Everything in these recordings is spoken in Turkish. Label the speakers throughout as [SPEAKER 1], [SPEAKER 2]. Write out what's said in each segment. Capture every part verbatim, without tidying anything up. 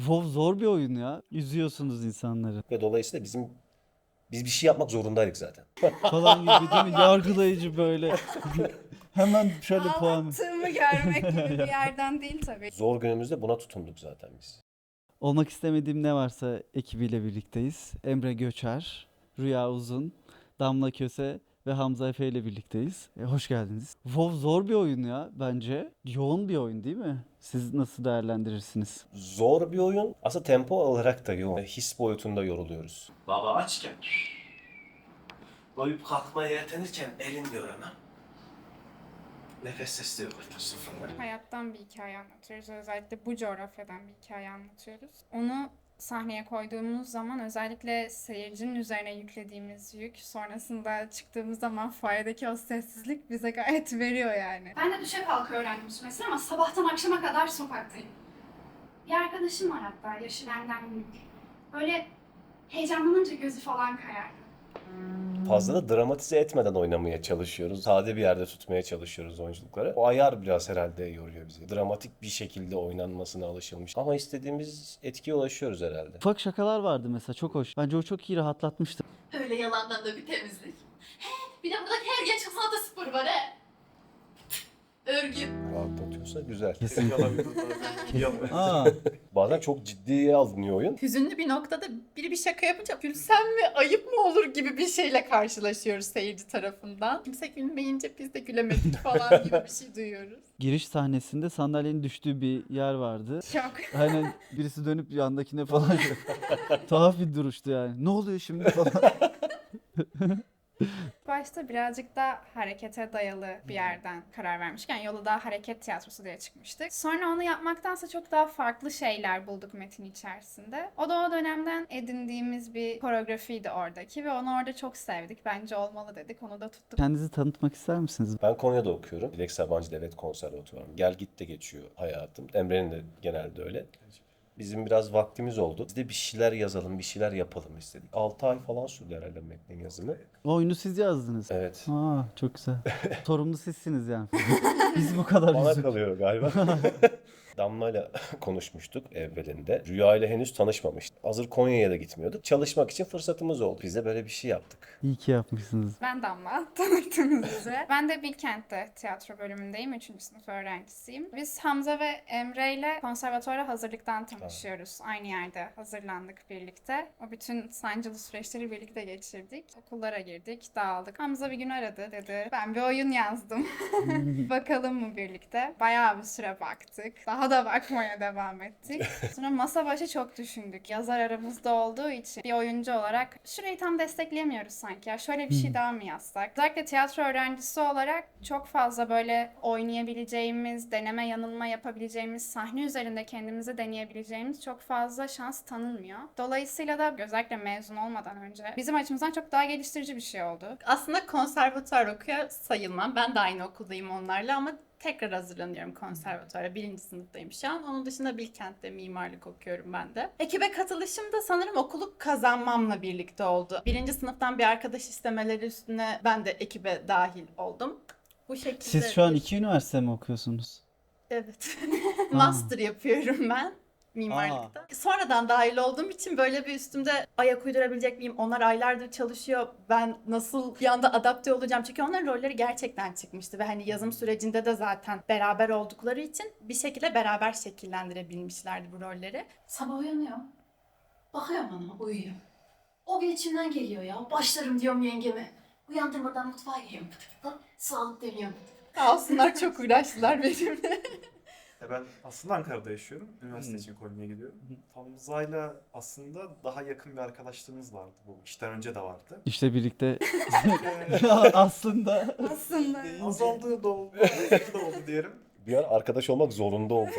[SPEAKER 1] WoW zor bir oyun ya. Üzüyorsunuz insanları
[SPEAKER 2] Ve dolayısıyla bizim biz bir şey yapmak zorundaydık zaten.
[SPEAKER 1] falan gibi değil mi? Yargılayıcı böyle. Hemen şöyle puan.
[SPEAKER 3] Ağlattığımı görmek gibi bir yerden değil tabii.
[SPEAKER 2] Zor günümüzde buna tutunduk zaten biz.
[SPEAKER 1] Olmak istemediğim ne varsa ekibiyle birlikteyiz. Emre Göçer, Rüya Uzun, Damla Köse ve Hamza Efe ile birlikteyiz. E, hoş geldiniz. WoW zor bir oyun ya bence. Yoğun bir oyun değil mi? Siz nasıl değerlendirirsiniz?
[SPEAKER 2] Zor bir oyun. Aslında tempo olarak da yoğun. His boyutunda yoruluyoruz.
[SPEAKER 4] Baba açken doyup kalkmaya yetenirken elin diyor hemen. Nefes sesleri var sıfırlar.
[SPEAKER 3] Hayattan bir hikaye anlatıyoruz. Özellikle bu coğrafyadan bir hikaye anlatıyoruz. Onu sahneye koyduğumuz zaman özellikle seyircinin üzerine yüklediğimiz yük, sonrasında çıktığımız zaman fuaredeki o sessizlik bize gayet veriyor yani.
[SPEAKER 5] Ben de düşe kalka öğrendim mesela ama sabahtan akşama kadar sokaktayım. Bir arkadaşım var hatta, yaşı benden büyük. Böyle heyecanlanınca gözü falan kayardı.
[SPEAKER 2] Fazla da dramatize etmeden oynamaya çalışıyoruz. Sade bir yerde tutmaya çalışıyoruz oyunculukları. O ayar biraz herhalde yoruyor bizi. Dramatik bir şekilde oynanmasına alışılmış. Ama istediğimiz etkiye ulaşıyoruz herhalde.
[SPEAKER 1] Ufak şakalar vardı mesela, çok hoş. Bence o çok iyi rahatlatmıştı.
[SPEAKER 5] Öyle yalandan da bir temizlik. He, bir de burada her genç kızın da spor var he. Örgü.
[SPEAKER 2] Rahatlatıyorsa güzel.
[SPEAKER 1] Kesinlikle.
[SPEAKER 4] Yalan.
[SPEAKER 1] Aa,
[SPEAKER 2] Bazen çok ciddiye alınıyor oyun.
[SPEAKER 6] Hüzünlü bir noktada biri bir şaka yapınca gülsem mi ayıp mı olur gibi bir şeyle karşılaşıyoruz seyirci tarafından. Kimse gülmeyince biz de gülemedik falan gibi bir şey duyuyoruz.
[SPEAKER 1] giriş sahnesinde sandalyenin düştüğü bir yer vardı.
[SPEAKER 3] Çok.
[SPEAKER 1] Aynen, birisi dönüp yandakine falan tuhaf bir duruştu yani. Ne oluyor şimdi falan.
[SPEAKER 3] Başta birazcık da harekete dayalı bir yerden karar vermişken yola daha hareket tiyatrosu diye çıkmıştık. Sonra onu yapmaktansa çok daha farklı şeyler bulduk metin içerisinde. O da o dönemden edindiğimiz bir koreografiydi oradaki ve onu orada çok sevdik. Bence olmalı dedik. Onu da tuttuk.
[SPEAKER 1] Kendinizi tanıtmak ister misiniz?
[SPEAKER 2] Ben Konya'da okuyorum. Dilek Sabancı Devlet Konservatuvarı. Gel git de geçiyor hayatım. Emre'nin de genelde öyle. Bizim biraz vaktimiz oldu. Biz de bir şeyler yazalım, bir şeyler yapalım istedik. altı ay falan sürdü herhalde metnin yazımı.
[SPEAKER 1] O oyunu siz yazdınız.
[SPEAKER 2] Evet.
[SPEAKER 1] Aa, çok güzel. Sorumlu sizsiniz yani. Biz bu kadar
[SPEAKER 2] Bana
[SPEAKER 1] üzüldük.
[SPEAKER 2] kalıyor galiba. Damla'yla konuşmuştuk evvelinde. Rüya ile henüz tanışmamıştık. Hazır Konya'ya da gitmiyorduk. Çalışmak için fırsatımız oldu. Biz de böyle bir şey yaptık.
[SPEAKER 1] İyi ki yapmışsınız.
[SPEAKER 3] Ben Damla, tanıttığınız üzere. Ben de Bilkent'te tiyatro bölümündeyim. Üçüncü sınıf öğrencisiyim. Biz Hamza ve Emre ile konservatuvara hazırlıktan tanışıyoruz. Aynı yerde hazırlandık birlikte. O bütün sancılı süreçleri birlikte geçirdik. Okullara girdik, dağıldık. Hamza bir gün aradı, dedi ben bir oyun yazdım. Bakalım mı birlikte? Bayağı bir süre baktık. Daha da bakmaya devam ettik. Sonra masa başı çok düşündük. Yazar aramızda olduğu için bir oyuncu olarak şurayı tam destekleyemiyoruz sanki. Ya şöyle bir şey daha mı yazsak? Özellikle tiyatro öğrencisi olarak çok fazla böyle oynayabileceğimiz, deneme yanılma yapabileceğimiz, sahne üzerinde kendimizi deneyebileceğimiz çok fazla şans tanınmıyor. Dolayısıyla da özellikle mezun olmadan önce bizim açımızdan çok daha geliştirici bir şey oldu.
[SPEAKER 6] Aslında konservatuar okuyor sayılmam. Ben de aynı okuldayım onlarla ama tekrar hazırlanıyorum konservatuara. Birinci sınıftayım şu an. Onun dışında Bilkent'te mimarlık okuyorum ben de. Ekibe katılışım da sanırım okulu kazanmamla birlikte oldu. Birinci sınıftan bir arkadaş istemeleri üstüne ben de ekibe dahil oldum. Bu şekilde.
[SPEAKER 1] Siz şu an
[SPEAKER 6] bir-
[SPEAKER 1] iki üniversite mi okuyorsunuz?
[SPEAKER 6] Evet. Master yapıyorum ben mimarlıkta. Sonradan dahil olduğum için böyle bir üstümde ayak uydurabilecek miyim? Onlar aylardır çalışıyor. Ben nasıl bir anda adapte olacağım? Çünkü onların rolleri gerçekten çıkmıştı ve hani yazım sürecinde de zaten beraber oldukları için bir şekilde beraber şekillendirebilmişlerdi bu rolleri.
[SPEAKER 5] Sabah uyanıyor. Bakıyor bana, uyuyor. O gün içimden geliyor ya. Başlarım diyorum yengeme. Uyandırmadan mutfağa giriyorum. Pıtı pıtı. Sağlık deniyorum.
[SPEAKER 6] Sağ olsunlar çok uğraştılar benimle.
[SPEAKER 7] Ya ben aslında Ankara'da yaşıyorum. Üniversite için Konya'ya gidiyorum. Hamza'yla aslında daha yakın bir arkadaşlığımız vardı. Bu işten önce de vardı.
[SPEAKER 1] İşte birlikte
[SPEAKER 7] Yani
[SPEAKER 1] aslında.
[SPEAKER 3] Aslında.
[SPEAKER 7] azaldığı da oldu, azaldığı da oldu diyelim.
[SPEAKER 2] Bir an arkadaş olmak zorunda oldum.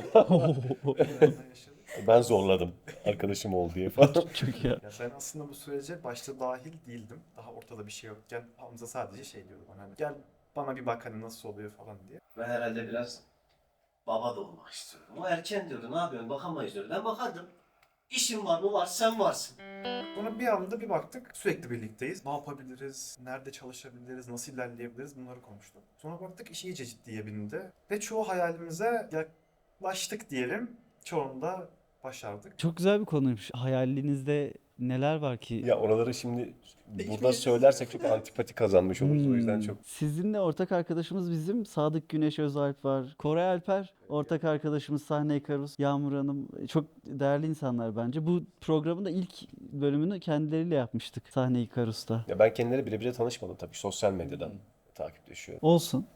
[SPEAKER 7] Biraz da yaşadık.
[SPEAKER 2] Ben zorladım arkadaşım ol diye falan.
[SPEAKER 1] Çok iyi.
[SPEAKER 7] Ya ben aslında bu sürece başta dahil değildim. Daha ortada bir şey yokken Hamza sadece şey diyordu bana, hani gel bana bir bak hani nasıl oluyor falan diye.
[SPEAKER 4] Ben herhalde biraz baba da olmak istiyorum. O erken diyordu, ne yapıyorsun, bakamayız diyordu. Ben bakardım. İşin var mı var, sen varsın.
[SPEAKER 7] Sonra bir anda bir baktık sürekli birlikteyiz. Ne yapabiliriz, nerede çalışabiliriz, nasıl ilerleyebiliriz bunları konuştuk. Sonra baktık iş iyice ciddiye bindi. Ve çoğu hayalimize yaklaştık diyelim. Çoğunda başardık.
[SPEAKER 1] Çok güzel bir konuymuş. Hayalinizde neler var ki?
[SPEAKER 2] Ya oraları şimdi burada söylersek çok antipati kazanmış oluruz. O yüzden
[SPEAKER 1] Hmm.
[SPEAKER 2] çok
[SPEAKER 1] Sizinle ortak arkadaşımız bizim Sadık Güneş Özalp var. Koray Alper ortak arkadaşımız, Sahne Ikarus, Yağmur Hanım. Çok değerli insanlar bence. Bu programın da ilk bölümünü kendileriyle yapmıştık Sahne Ikarus'ta.
[SPEAKER 2] ya ben kendileri bile bile tanışmadım tabii sosyal medyadan takipleşiyorum.
[SPEAKER 1] Olsun.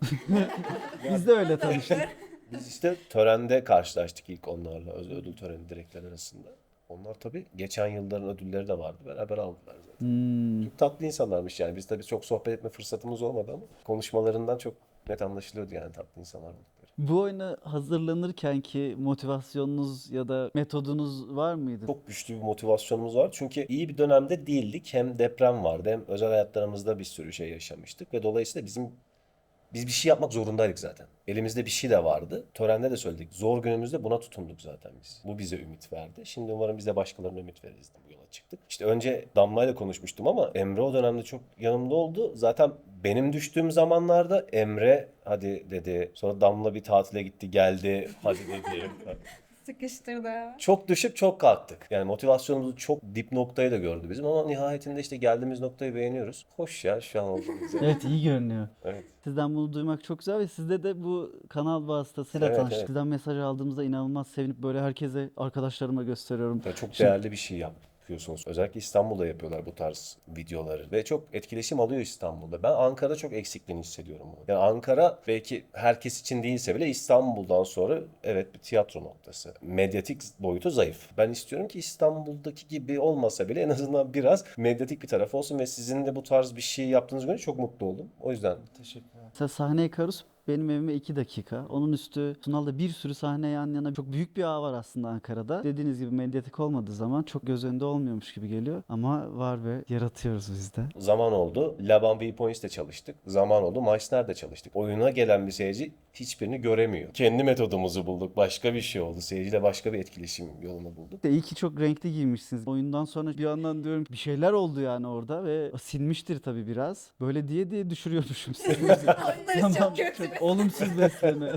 [SPEAKER 1] Biz de öyle tanıştık.
[SPEAKER 2] Biz işte törende karşılaştık ilk onlarla. Öz- Ödül töreni direkler arasında. Onlar tabii geçen yılların ödülleri de vardı. Beraber aldılar zaten.
[SPEAKER 1] Hmm.
[SPEAKER 2] Çok tatlı insanlarmış yani. Biz tabii çok sohbet etme fırsatımız olmadı ama konuşmalarından çok net anlaşılıyordu yani tatlı insanlar oldukları.
[SPEAKER 1] Bu oyuna hazırlanırken ki motivasyonunuz ya da metodunuz var mıydı?
[SPEAKER 2] Çok güçlü bir motivasyonumuz var. Çünkü iyi bir dönemde değildik. Hem deprem vardı hem özel hayatlarımızda bir sürü şey yaşamıştık. Ve dolayısıyla bizim biz bir şey yapmak zorundaydık zaten. Elimizde bir şey de vardı. Törende de söyledik. Zor günümüzde buna tutunduk zaten biz. Bu bize ümit verdi. Şimdi umarım biz de başkalarına ümit veririz. Bu yola çıktık. İşte önce Damla'yla konuşmuştum ama Emre o dönemde çok yanımda oldu. Zaten benim düştüğüm zamanlarda Emre hadi dedi. Sonra Damla bir tatile gitti geldi. Hadi dedi.
[SPEAKER 3] Sıkıştırdı.
[SPEAKER 2] Çok düşüp çok kalktık. Yani motivasyonumuzu çok dip noktayı da gördü bizim ama nihayetinde işte geldiğimiz noktayı beğeniyoruz. Hoş ya şu an olduğumuz yer.
[SPEAKER 1] Evet, iyi görünüyor.
[SPEAKER 2] Evet.
[SPEAKER 1] Sizden bunu duymak çok güzel ve sizde de bu kanal vasıtasıyla
[SPEAKER 2] Evet,
[SPEAKER 1] tanıştık.
[SPEAKER 2] evet.
[SPEAKER 1] Sizden mesaj aldığımızda inanılmaz sevinip böyle herkese, arkadaşlarıma gösteriyorum.
[SPEAKER 2] Ya çok
[SPEAKER 1] Şimdi-
[SPEAKER 2] değerli bir şey yapıyorsunuz. Özellikle İstanbul'da yapıyorlar bu tarz videoları. Ve çok etkileşim alıyor İstanbul'da. Ben Ankara'da çok eksikliğini hissediyorum bunu. Yani Ankara belki herkes için değilse bile İstanbul'dan sonra evet bir tiyatro noktası. Medyatik boyutu zayıf. Ben istiyorum ki İstanbul'daki gibi olmasa bile en azından biraz medyatik bir taraf olsun ve sizin de bu tarz bir şey yaptığınız gün çok mutlu oldum. O yüzden
[SPEAKER 7] Teşekkürler.
[SPEAKER 1] Mesela Sahne Ikarus benim evime iki dakika. Onun üstü Sunal'da bir sürü sahne yan yana. Çok büyük bir ağ var aslında Ankara'da. Dediğiniz gibi medyatik olmadığı zaman çok göz önünde olmuyormuş gibi geliyor. Ama var ve yaratıyoruz biz de.
[SPEAKER 2] zaman oldu. Laban Viewpoints'te çalıştık. Zaman oldu. Meissner'de çalıştık. Oyuna gelen bir seyirci hiçbirini göremiyor. Kendi metodumuzu bulduk. Başka bir şey oldu. Seyirciyle başka bir etkileşim yolunu bulduk.
[SPEAKER 1] İşte iyi ki çok renkli giymişsiniz. Oyundan sonra bir yandan diyorum bir şeyler oldu yani orada ve silmiştir tabii biraz. Böyle diye diye düşürüyormuşum sizi.
[SPEAKER 3] Onları çok kötü.
[SPEAKER 1] Olumsuz besleme.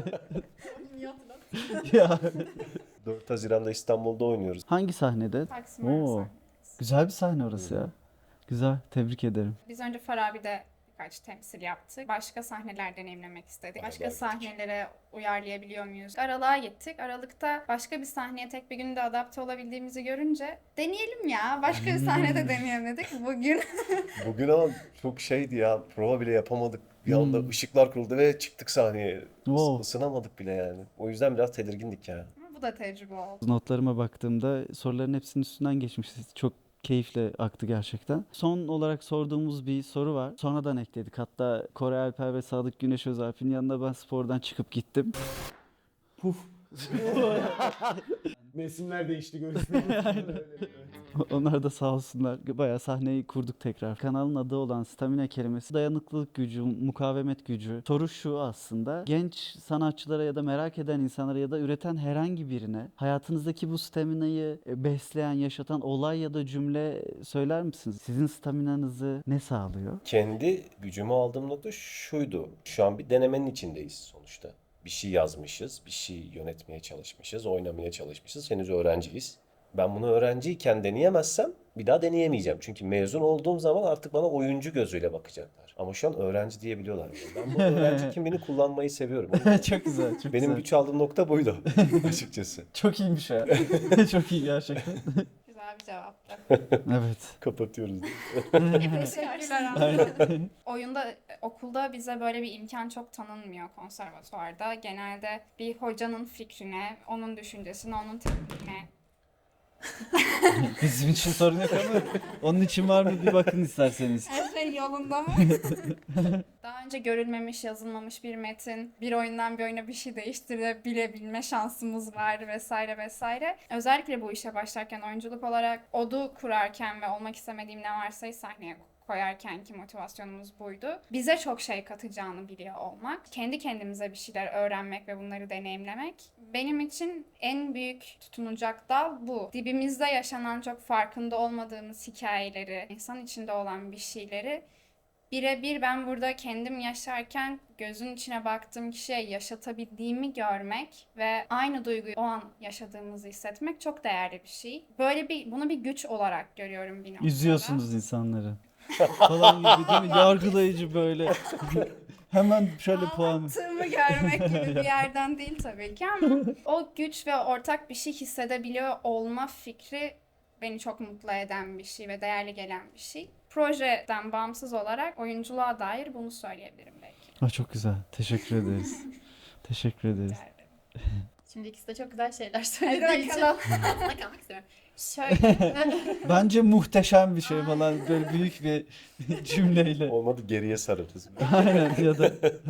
[SPEAKER 1] ya.
[SPEAKER 2] dört Haziran'da İstanbul'da oynuyoruz.
[SPEAKER 1] Hangi sahnede?
[SPEAKER 3] Taksim
[SPEAKER 1] Oo.
[SPEAKER 3] arası.
[SPEAKER 1] Güzel bir sahne orası ya. Güzel. Tebrik ederim.
[SPEAKER 3] Biz önce Farabi'de birkaç temsil yaptık. Başka sahneler deneyimlemek istedik. Başka
[SPEAKER 2] Aralığa gittik.
[SPEAKER 3] sahnelere uyarlayabiliyor muyuz? Aralığa gittik. Aralıkta başka bir sahneye tek bir günde adapte olabildiğimizi görünce deneyelim ya. Başka bir sahnede deneyelim dedik. Bugün
[SPEAKER 2] Bugün ama çok şeydi ya. Prova bile yapamadık. Bir anda
[SPEAKER 1] Hmm.
[SPEAKER 2] ışıklar kuruldu ve çıktık sahneye. Is-
[SPEAKER 1] Wow.
[SPEAKER 2] Isınamadık bile yani. O yüzden biraz tedirgindik yani.
[SPEAKER 3] bu da tecrübe oldu.
[SPEAKER 1] Notlarıma baktığımda soruların hepsinin üstünden geçmişiz. Çok keyifle aktı gerçekten. Son olarak sorduğumuz bir soru var. Sonradan ekledik. Hatta Koray Alper ve Sadık Güneş Özalp'in yanına ben spordan çıkıp gittim.
[SPEAKER 8] Mevsimler değişti görüyorsunuz.
[SPEAKER 1] Onlar da sağ olsunlar. Bayağı sahneyi kurduk tekrar. Kanalın adı olan stamina kelimesi dayanıklılık gücü, mukavemet gücü. Soru şu aslında. Genç sanatçılara ya da merak eden insanlara ya da üreten herhangi birine hayatınızdaki bu staminayı e, besleyen, yaşatan olay ya da cümle söyler misiniz? Sizin staminanızı ne sağlıyor?
[SPEAKER 2] Kendi gücümü aldığım nokta şuydu. Şu an bir denemenin içindeyiz sonuçta. Bir şey yazmışız, bir şey yönetmeye çalışmışız, oynamaya çalışmışız. Henüz öğrenciyiz. Ben bunu öğrenciyken deneyemezsem bir daha deneyemeyeceğim. Çünkü mezun olduğum zaman artık bana oyuncu gözüyle bakacaklar. Ama şu an öğrenci diyebiliyorlar. Ben bu öğrenci kimliğini kullanmayı seviyorum. O yüzden
[SPEAKER 1] çok güzel, çok
[SPEAKER 2] benim
[SPEAKER 1] güzel.
[SPEAKER 2] güç aldığım nokta buydu açıkçası.
[SPEAKER 1] Çok iyiymiş ya. Çok iyi gerçekten.
[SPEAKER 3] Güzel bir cevaptı.
[SPEAKER 1] Evet.
[SPEAKER 2] Kapatıyoruz.
[SPEAKER 3] Teşekkürler.
[SPEAKER 1] Aynen.
[SPEAKER 3] Oyunda, e, okulda bize böyle bir imkan çok tanınmıyor konservatuvarda. Genelde bir hocanın fikrine, onun düşüncesine, onun tekniğine.
[SPEAKER 1] Bizim için sorun yok ama onun için var mı bir bakın isterseniz.
[SPEAKER 3] Her şey yolunda mı? Daha önce görülmemiş, yazılmamış bir metin, bir oyundan bir oyuna bir şey değiştirebilebilme şansımız var vesaire vesaire. Özellikle bu işe başlarken oyunculuk olarak odu kurarken ve olmak istemediğim ne varsa sahneye koyarken ki motivasyonumuz buydu. Bize çok şey katacağını biliyor olmak, kendi kendimize bir şeyler öğrenmek ve bunları deneyimlemek benim için en büyük tutunacak dal bu. Dibimizde yaşanan çok farkında olmadığımız hikayeleri, insan içinde olan bir şeyleri birebir ben burada kendim yaşarken gözün içine baktığım kişiye yaşatabildiğimi görmek ve aynı duyguyu o an yaşadığımızı hissetmek çok değerli bir şey. Böyle bir bunu bir güç olarak görüyorum bir noktada.
[SPEAKER 1] Üzüyorsunuz insanları. Falan gibi değil mi? Yargılayıcı böyle. Hemen şöyle puan.
[SPEAKER 3] Ağlattığımı görmek gibi bir yerden değil tabii ki ama o güç ve ortak bir şey hissedebiliyor olma fikri beni çok mutlu eden bir şey ve değerli gelen bir şey. Projeden bağımsız olarak oyunculuğa dair bunu söyleyebilirim belki.
[SPEAKER 1] Ah, çok güzel. Teşekkür ederiz. Teşekkür ederiz.
[SPEAKER 6] Şimdi ikisi de çok güzel şeyler
[SPEAKER 3] Hadi
[SPEAKER 6] söylediği için
[SPEAKER 3] bakalım.
[SPEAKER 6] aslında kalmak istiyorum. Şöyle.
[SPEAKER 1] Bence muhteşem bir şey falan böyle büyük bir cümleyle.
[SPEAKER 2] Olmadı geriye sararız.
[SPEAKER 1] Aynen ya da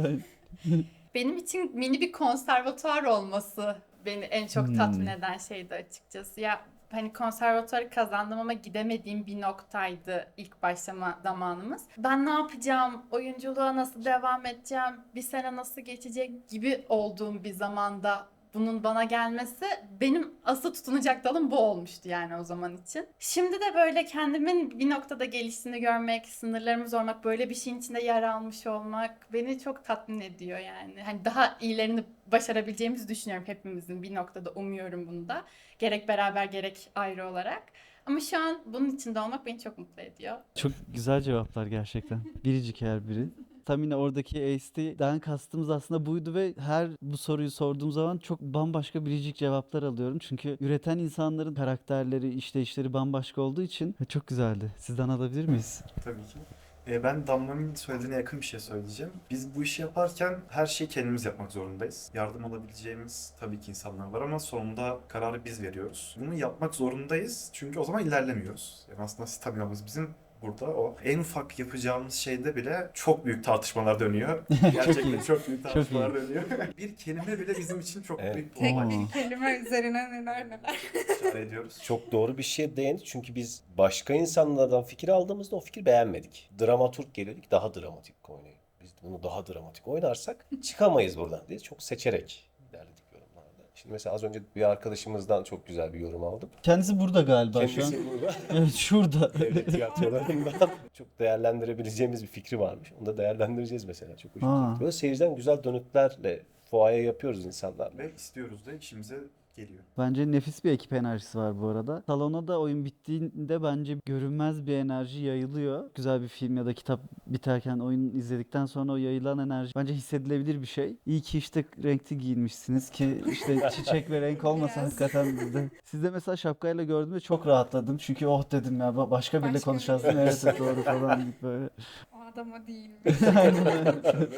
[SPEAKER 6] Benim için mini bir konservatuvar olması beni en çok
[SPEAKER 1] Hmm.
[SPEAKER 6] tatmin eden şeydi açıkçası. Ya hani konservatuvarı kazandım ama gidemediğim bir noktaydı ilk başlama zamanımız. Ben ne yapacağım, oyunculuğa nasıl devam edeceğim, bir sene nasıl geçecek gibi olduğum bir zamanda bunun bana gelmesi benim asıl tutunacak dalım bu olmuştu yani o zaman için. Şimdi de böyle kendimin bir noktada geliştiğini görmek, sınırlarımı zorlamak, böyle bir şeyin içinde yer almış olmak beni çok tatmin ediyor yani. Hani daha iyilerini başarabileceğimizi düşünüyorum hepimizin bir noktada, umuyorum bunu da. Gerek beraber gerek ayrı olarak. Ama şu an bunun içinde olmak beni çok mutlu ediyor.
[SPEAKER 1] çok güzel cevaplar gerçekten. Biricik her biri. Tam yine oradaki A S T'den kastımız aslında buydu ve her bu soruyu sorduğum zaman çok bambaşka biricik cevaplar alıyorum. Çünkü üreten insanların karakterleri, işleyişleri bambaşka olduğu için çok güzeldi. Sizden alabilir miyiz?
[SPEAKER 7] Tabii ki. Ee, ben Damla'nın söylediğine yakın bir şey söyleyeceğim. Biz bu işi yaparken her şeyi kendimiz yapmak zorundayız. Yardım alabileceğimiz tabii ki insanlar var ama sonunda kararı biz veriyoruz. Bunu yapmak zorundayız çünkü o zaman ilerlemiyoruz. Yani aslında staminamız bizim burada o. En ufak yapacağımız şeyde bile çok büyük tartışmalar dönüyor. Gerçekten
[SPEAKER 1] iyi.
[SPEAKER 7] çok büyük tartışmalar
[SPEAKER 1] iyi.
[SPEAKER 7] dönüyor. Bir kelime bile bizim için çok
[SPEAKER 2] Evet.
[SPEAKER 7] büyük bir
[SPEAKER 3] Tek
[SPEAKER 7] olay.
[SPEAKER 1] Oo.
[SPEAKER 3] bir kelime üzerine neler neler.
[SPEAKER 7] İşare ediyoruz.
[SPEAKER 2] Çok doğru bir şeye değindi çünkü biz başka insanlardan fikir aldığımızda o fikri beğenmedik. Dramaturg geliyordik daha dramatik oynayın. Biz bunu daha dramatik oynarsak çıkamayız buradan diye çok seçerek ilerledik yorumlarda. Şimdi mesela az önce bir arkadaşımızdan çok güzel bir yorum aldım.
[SPEAKER 1] Kendisi burada galiba şu an.
[SPEAKER 2] Kendisi burada.
[SPEAKER 1] Evet, şurada.
[SPEAKER 2] Devlet tiyatrolarından çok değerlendirebileceğimiz bir fikri varmış. Onu da değerlendireceğiz mesela. Çok hoşuma
[SPEAKER 1] Aa.
[SPEAKER 2] gitti. Böyle seyirciden güzel dönütlerle fuaya yapıyoruz insanlarla.
[SPEAKER 7] Ve istiyoruz da işimize geliyor.
[SPEAKER 1] Bence nefis bir ekip enerjisi var bu arada. Salona da oyun bittiğinde bence görünmez bir enerji yayılıyor. Güzel bir film ya da kitap biterken oyun izledikten sonra o yayılan enerji bence hissedilebilir bir şey. İyi ki işte renkli giyinmişsiniz ki işte çiçek ve renk olmasa
[SPEAKER 3] Yes.
[SPEAKER 1] hakikaten bizde. Siz de mesela şapkayla gördüğümde çok rahatladım. Çünkü oh dedim ya ba- başka biriyle
[SPEAKER 3] Başka
[SPEAKER 1] konuşacağız
[SPEAKER 3] biri.
[SPEAKER 1] değil mi? Evet evet, doğru falan gibi böyle.
[SPEAKER 3] O adama değil.
[SPEAKER 1] Aynen öyle.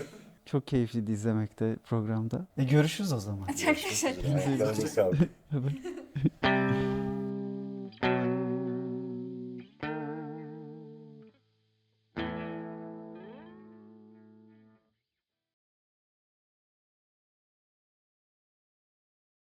[SPEAKER 1] Çok keyifliydi izlemekte programda. E görüşürüz o zaman.
[SPEAKER 3] Çok teşekkür ederim.
[SPEAKER 2] Ayaklarınıza sağlık.
[SPEAKER 1] Bye bye.